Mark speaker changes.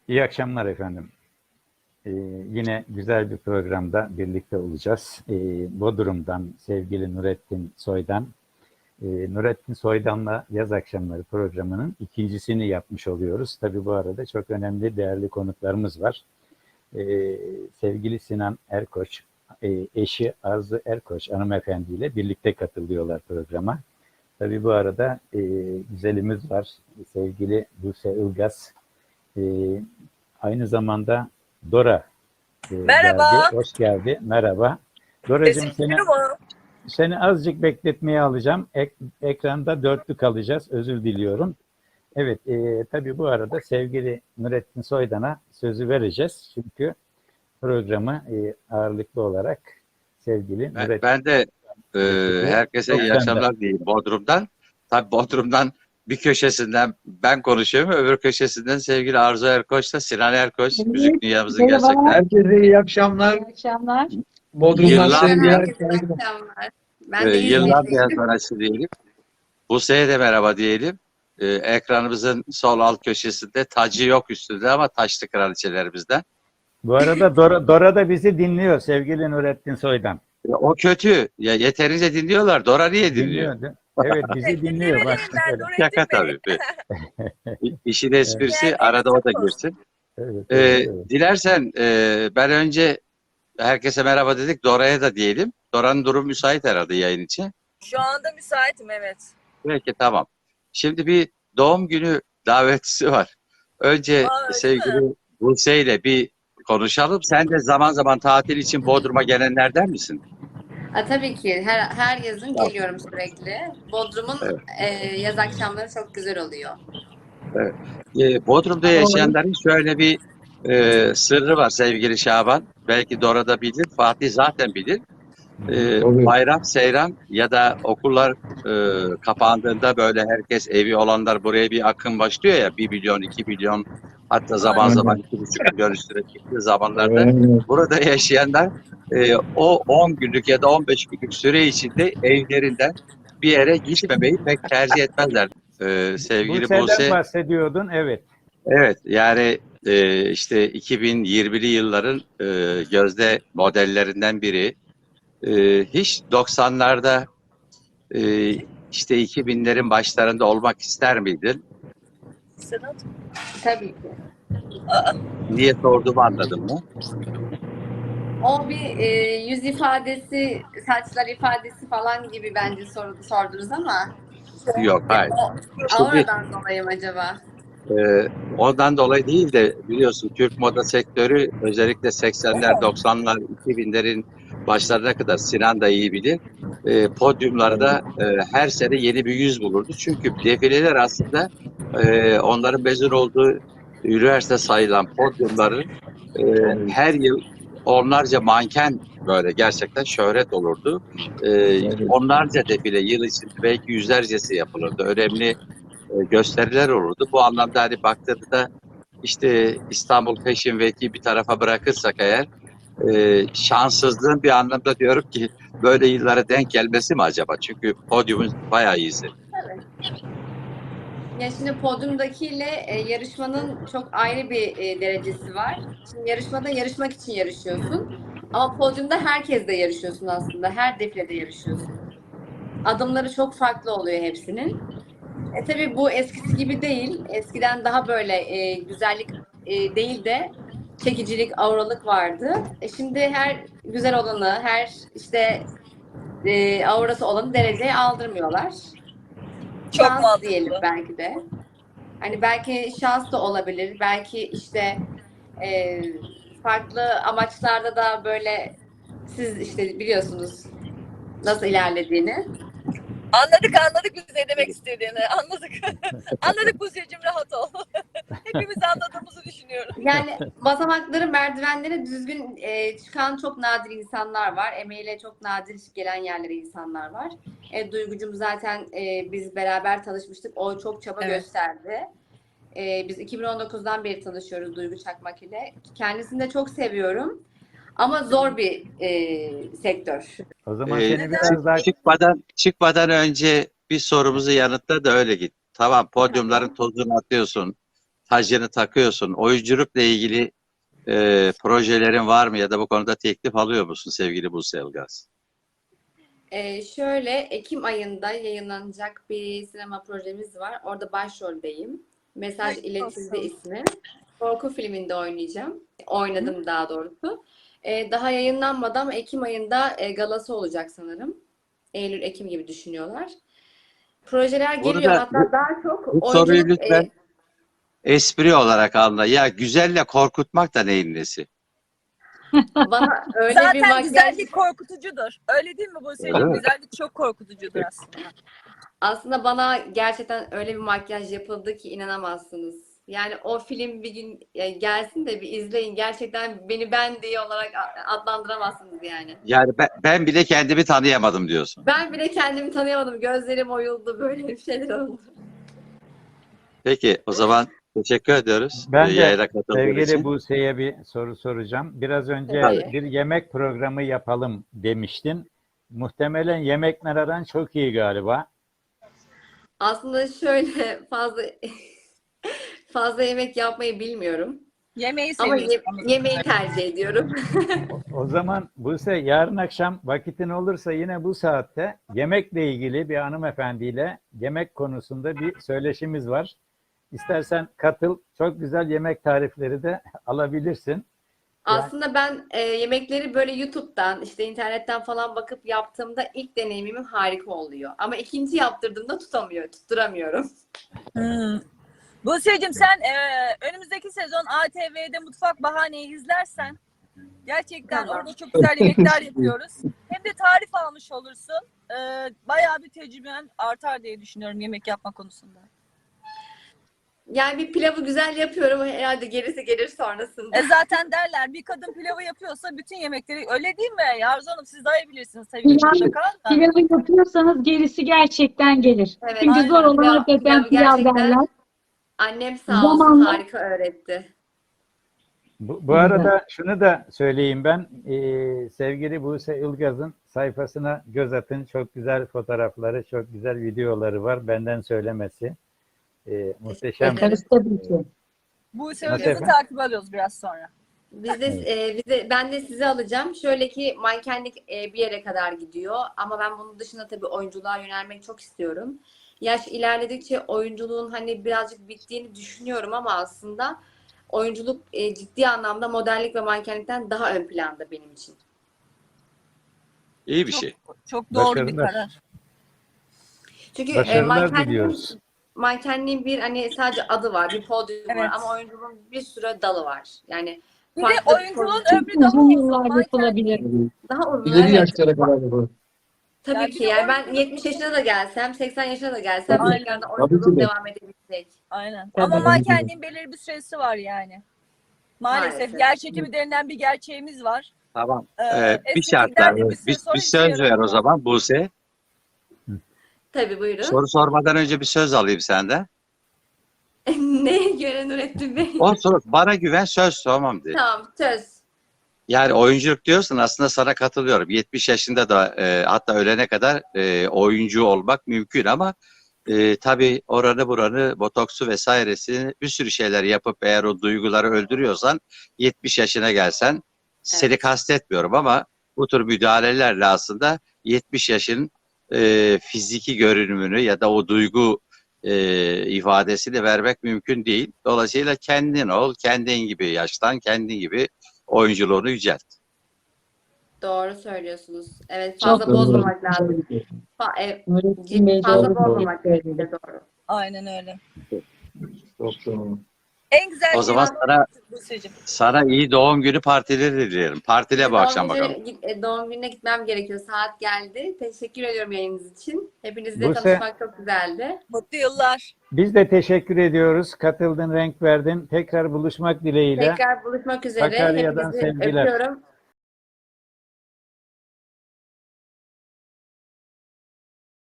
Speaker 1: İyi akşamlar efendim. Yine güzel bir programda birlikte olacağız. Bodrum'dan sevgili Nurettin Soydan. Nurettin Soydan'la Yaz Akşamları programının ikincisini yapmış oluyoruz. Tabii bu arada çok önemli, değerli konuklarımız var. Sevgili Sinan Erkoç, eşi Arzu Erkoç hanımefendiyle birlikte katılıyorlar programa. Tabii bu arada güzelimiz var, sevgili Buse Ilgaz. E, Aynı zamanda Dora geldi,
Speaker 2: Merhaba.
Speaker 1: hoş geldi. Merhaba.
Speaker 2: Sesim
Speaker 1: Doracığım
Speaker 2: geliyor mu?
Speaker 1: seni azıcık bekletmeye alacağım. Ekranda dörtlü kalacağız, özür diliyorum. Evet, tabii bu arada sevgili Nurettin Soydan'a sözü vereceğiz. Çünkü programı ağırlıklı olarak sevgili Nurettin
Speaker 3: Ben de
Speaker 1: getirdi.
Speaker 3: herkese
Speaker 1: Çok
Speaker 3: iyi
Speaker 1: sende.
Speaker 3: akşamlar diyeyim Bodrum'dan. Tabii Bodrum'dan bir köşesinden ben konuşuyorum, öbür köşesinden sevgili Arzu Erkoç'la Sinan Erkoç, müzik dünyamızın gerçekten
Speaker 4: Herkese iyi akşamlar.
Speaker 5: İyi akşamlar.
Speaker 4: Bodrum'dan
Speaker 3: yıllar,
Speaker 4: sevgiler.
Speaker 5: Herkese iyi akşamlar. Ben de
Speaker 3: yıllar
Speaker 5: İzmir'deyim.
Speaker 3: sanatçı diyelim. Buse'ye de merhaba diyelim. Ekranımızın sol alt köşesinde tacı yok üstünde ama taşlı kraliçelerimizden.
Speaker 1: Bu arada Dora da bizi dinliyor sevgili Nurettin Soydan.
Speaker 3: O kötü. Ya yeterince dinliyorlar. Dora niye dinliyor?
Speaker 1: Dinliyor. Evet, bizi dinliyor. Bak,
Speaker 2: Ben
Speaker 1: öyle.
Speaker 2: Nurettin
Speaker 3: Şaka
Speaker 2: Bey.
Speaker 3: tabii. İşin esprisi
Speaker 2: Yani
Speaker 3: arada o da
Speaker 2: çok
Speaker 3: girsin.
Speaker 1: Evet, evet.
Speaker 3: Dilersen ben önce herkese merhaba dedik. Dora'ya da diyelim. Dora'nın durumu müsait herhalde yayın için.
Speaker 2: Şu anda müsaitim, evet.
Speaker 3: Peki tamam. Şimdi bir doğum günü davetisi var. Önce
Speaker 2: Aa, öyle mi?
Speaker 3: sevgili Buse ile bir konuşalım. Sen de zaman zaman tatil için Bodrum'a gelenlerden misin?
Speaker 5: Tabii ki her yazın
Speaker 3: Tamam.
Speaker 5: geliyorum sürekli. Bodrum'un
Speaker 3: Evet.
Speaker 5: yaz akşamları çok güzel oluyor.
Speaker 3: Bodrum'da yaşayanların şöyle bir sırrı var sevgili Şaban. Belki Dora da bilir, Fatih zaten bilir. Bayram, seyran ya da okullar kapandığında böyle herkes evi olanlar buraya bir akın başlıyor ya 1 milyon, 2 milyon hatta zaman zaman 2,5 milyon üstüne çıktığı zamanlarda burada yaşayanlar o 10 günlük ya da 15 günlük süre içinde evlerinden bir yere gitmemeyi pek tercih etmezler. Sevgili
Speaker 1: Buse'den
Speaker 3: Buse,
Speaker 1: bahsediyordun, evet.
Speaker 3: evet yani işte 2020'li yılların gözde modellerinden biri. Hiç 90'larda işte 2000'lerin başlarında olmak ister miydin?
Speaker 2: Sedat.
Speaker 5: Tabii ki.
Speaker 3: Niye sorduğumu anladın mı?
Speaker 5: O bir yüz ifadesi, saçlar ifadesi falan gibi bence sordunuz ama
Speaker 3: Yok, hayır.
Speaker 5: o
Speaker 3: Şimdi
Speaker 5: auradan dolayı mı acaba?
Speaker 3: ondan dolayı değil de biliyorsun Türk moda sektörü özellikle 80'ler, 90'lar, 2000'lerin başlarına kadar Sinan da iyi bilir. Podyumlarda her sene yeni bir yüz bulurdu. Çünkü defileler aslında onların mezun olduğu üniversite sayılan podyumların her yıl onlarca manken böyle gerçekten şöhret olurdu. Onlarca defile yıl içinde belki yüzlercesi yapılırdı. Önemli gösteriler olurdu. Bu anlamda hani baktığında işte İstanbul Fashion Week'i bir tarafa bırakırsak eğer şanssızlığın bir anlamda diyorum ki böyle yıllara denk gelmesi mi acaba? Çünkü podyumun bayağı iyisi.
Speaker 5: Evet. Ya şimdi podyumdakiyle yarışmanın çok ayrı bir derecesi var. Şimdi yarışmada yarışmak için yarışıyorsun. Ama podyumda herkesle yarışıyorsun aslında. Her defilede yarışıyorsun. Adımları çok farklı oluyor hepsinin. Tabii bu eskisi gibi değil. Eskiden daha böyle güzellik değil de çekicilik, auralık vardı. Şimdi her güzel olanı, her işte aurası olanı dereceye aldırmıyorlar.
Speaker 2: Çok
Speaker 5: Şans
Speaker 2: mantıklı.
Speaker 5: diyelim belki de. Hani belki şans da olabilir. Belki işte e, farklı amaçlarda da böyle siz işte biliyorsunuz nasıl ilerlediğini.
Speaker 2: Anladık biz ne demek istediğini. Anladık. Anladık Buse'cim, rahat ol. Hepimiz anladığımızı düşünüyorum.
Speaker 5: Yani basamakları, merdivenleri düzgün çıkan çok nadir insanlar var. Emeğiyle çok nadir gelen yerlere insanlar var. Duygucum zaten biz beraber tanışmıştık. O çok çaba
Speaker 2: Evet.
Speaker 5: gösterdi. Biz 2019'dan beri tanışıyoruz Duygu Çakmak ile. Kendisini de çok seviyorum. Ama zor bir sektör.
Speaker 1: O zaman seni biraz daha
Speaker 3: Çıkmadan önce bir sorumuzu yanıtla da öyle git. Tamam, podyumların tozunu atıyorsun. tacını takıyorsun. Oyunculukla ilgili projelerin var mı ya da bu konuda teklif alıyor musun sevgili Buse Ilgaz?
Speaker 5: Şöyle Ekim ayında yayınlanacak bir sinema projemiz var. Orada başroldeyim. Mesaj
Speaker 2: Hayırlı
Speaker 5: iletildi
Speaker 2: olsun.
Speaker 5: ismi. Korku filminde oynayacağım. Oynadım daha doğrusu. Daha yayınlanmadan Ekim ayında galası olacak sanırım. Eylül-Ekim gibi düşünüyorlar. Projeler geliyor.
Speaker 3: Burada
Speaker 5: Hatta daha çok
Speaker 3: bu soruyu
Speaker 5: oyunculuk
Speaker 3: lütfen espri olarak anla. Ya güzelle korkutmak da neyin nesi?
Speaker 5: bana öyle bir
Speaker 2: Zaten
Speaker 5: makyaj
Speaker 2: güzellik korkutucudur. Öyle değil mi
Speaker 3: Öyle
Speaker 2: Buse'cim?
Speaker 3: mi?
Speaker 2: Güzellik çok korkutucudur aslında.
Speaker 5: aslında bana gerçekten öyle bir makyaj yapıldı ki inanamazsınız. Yani o film bir gün gelsin de bir izleyin. Gerçekten beni ben diye olarak adlandıramazsınız yani.
Speaker 3: Yani ben bile kendimi tanıyamadım diyorsun.
Speaker 5: Ben bile kendimi tanıyamadım. Gözlerim oyuldu. Böyle bir şeyler oldu.
Speaker 3: Peki o zaman teşekkür ediyoruz
Speaker 1: Ben de
Speaker 3: yayına katıldığın
Speaker 1: sevgili
Speaker 3: için.
Speaker 1: Buse'ye bir soru soracağım. Biraz önce
Speaker 5: Tabii.
Speaker 1: bir yemek programı yapalım demiştin. Muhtemelen yemekler aran çok iyi galiba.
Speaker 5: Aslında şöyle fazla yemek yapmayı bilmiyorum.
Speaker 2: Yemeği
Speaker 5: Ama
Speaker 2: seviyorsun.
Speaker 5: yemeği tercih ediyorum.
Speaker 1: O zaman Buse yarın akşam vakitin olursa yine bu saatte yemekle ilgili bir hanımefendiyle yemek konusunda bir söyleşimiz var. İstersen katıl. Çok güzel yemek tarifleri de alabilirsin.
Speaker 5: Aslında ben yemekleri böyle YouTube'dan, işte internetten falan bakıp yaptığımda ilk deneyimim harika oluyor. Ama ikinci yaptırdığımda tutturamıyorum.
Speaker 2: Buse'cim sen önümüzdeki sezon ATV'de Mutfak Bahane'yi izlersen gerçekten
Speaker 5: Tamam.
Speaker 2: orada çok güzel yemekler yapıyoruz. Hem de tarif almış olursun. Bayağı bir tecrüben artar diye düşünüyorum yemek yapma konusunda.
Speaker 5: Yani bir pilavı güzel yapıyorum. Herhalde gerisi gelir sonrasında.
Speaker 2: Zaten derler bir kadın pilavı yapıyorsa bütün yemekleri öyle değil mi? Arzu Hanım siz daha iyi bilirsiniz tabii ki mutlaka da.
Speaker 6: Pilavı yapıyorsanız gerisi gerçekten gelir.
Speaker 5: Evet,
Speaker 6: Çünkü
Speaker 2: aynen.
Speaker 6: zor olan hakikaten
Speaker 5: pilavı
Speaker 6: pilav
Speaker 5: gerçekten
Speaker 6: derler.
Speaker 5: annem sağ olsun
Speaker 6: Zamanla-
Speaker 5: harika öğretti.
Speaker 1: Bu arada şunu da söyleyeyim ben. Sevgili Buse Ilgaz'ın sayfasına göz atın. Çok güzel fotoğrafları, çok güzel videoları var. Benden söylemesi. Muhteşem.
Speaker 5: ederim.
Speaker 6: Tabii ki.
Speaker 2: Buse
Speaker 1: Nasıl
Speaker 2: Ilgaz'ı
Speaker 1: efendim?
Speaker 2: takip alıyoruz biraz sonra.
Speaker 5: Ben de sizi alacağım. Şöyle ki mankenlik bir yere kadar gidiyor. Ama ben bunun dışında tabii oyunculuğa yönelmek çok istiyorum. Yaş ilerledikçe oyunculuğun hani birazcık bittiğini düşünüyorum ama aslında oyunculuk ciddi anlamda modellik ve mankenlikten daha ön planda benim için.
Speaker 3: İyi bir şey.
Speaker 2: Çok doğru bir
Speaker 1: Başarılar.
Speaker 2: karar.
Speaker 5: Çünkü
Speaker 1: Başarılar diliyoruz.
Speaker 5: mankenliğin bir hani sadece adı var, bir podyum var
Speaker 2: Evet.
Speaker 5: ama oyunculuğun bir sürü dalı var. Yani
Speaker 2: Bir de
Speaker 5: farklı
Speaker 2: oyunculuğun
Speaker 5: pozisyon-
Speaker 2: ömrü daha
Speaker 6: Uzun yıllar
Speaker 2: uzun. Manken-
Speaker 6: yapılabilir.
Speaker 5: daha uzun.
Speaker 4: İleri
Speaker 5: Evet.
Speaker 4: yaşlara kadar bu.
Speaker 5: Tabii
Speaker 2: Yani
Speaker 5: ki.
Speaker 2: bir de
Speaker 5: Yani ben 70 yaşına da gelsem, 80 yaşına da gelsem
Speaker 2: Aynen.
Speaker 5: tekrardan
Speaker 4: Tabii
Speaker 5: oyunculuğum
Speaker 4: ki de.
Speaker 5: devam edebilecek.
Speaker 2: Aynen.
Speaker 6: Tabii.
Speaker 2: Ama mankenliğin belirli bir süresi var yani. Maalesef.
Speaker 5: Maalesef.
Speaker 2: Yer çekimi denilen bir gerçeğimiz var.
Speaker 3: Tamam. Bir
Speaker 2: Estetikler
Speaker 3: şartla
Speaker 2: de bir süre sonra
Speaker 3: bir
Speaker 2: işe
Speaker 3: söz ver o
Speaker 2: yaramıyor.
Speaker 3: zaman Buse.
Speaker 5: Tabii buyurun.
Speaker 3: Soru sormadan önce bir söz alayım senden.
Speaker 5: Neye göre Nurettin Bey?
Speaker 3: O soru bana güven söz tamam de.
Speaker 5: Tamam söz.
Speaker 3: Yani oyunculuk diyorsun aslında sana katılıyorum. 70 yaşında da hatta ölene kadar oyuncu olmak mümkün ama tabii oranı buranı botoksu vesairesi bir sürü şeyler yapıp eğer o duyguları öldürüyorsan 70 yaşına gelsen seni
Speaker 5: Evet.
Speaker 3: kastetmiyorum ama bu tür müdahalelerle aslında 70 yaşın fiziki görünümünü ya da o duygu ifadesini vermek mümkün değil. Dolayısıyla kendin ol, kendin gibi yaşlan, kendin gibi oyunculuğunu yücelt.
Speaker 5: Doğru söylüyorsunuz. Evet
Speaker 6: Çok
Speaker 5: fazla
Speaker 6: doğru.
Speaker 5: bozmamak lazım.
Speaker 6: Nurettin Bey
Speaker 5: Fazla
Speaker 6: doğru
Speaker 5: bozmamak
Speaker 6: söyledi.
Speaker 5: de doğru.
Speaker 2: Aynen öyle.
Speaker 4: Çok doğru.
Speaker 2: En güzel
Speaker 3: O zaman
Speaker 2: şey Buse'cim.
Speaker 3: sana iyi doğum günü partileri dilerim. Partile bu akşam bakalım.
Speaker 5: Doğum gününe gitmem gerekiyor. Saat geldi. Teşekkür ediyorum yayınınız için. Hepinizle
Speaker 1: Buse-
Speaker 5: tanışmak çok güzeldi.
Speaker 2: Mutlu yıllar.
Speaker 1: Biz de teşekkür ediyoruz. Katıldın, renk verdin. Tekrar buluşmak dileğiyle.
Speaker 5: Tekrar buluşmak üzere.
Speaker 1: Sakarya'dan
Speaker 5: Hepinizi
Speaker 1: sevgiler.
Speaker 5: öpüyorum.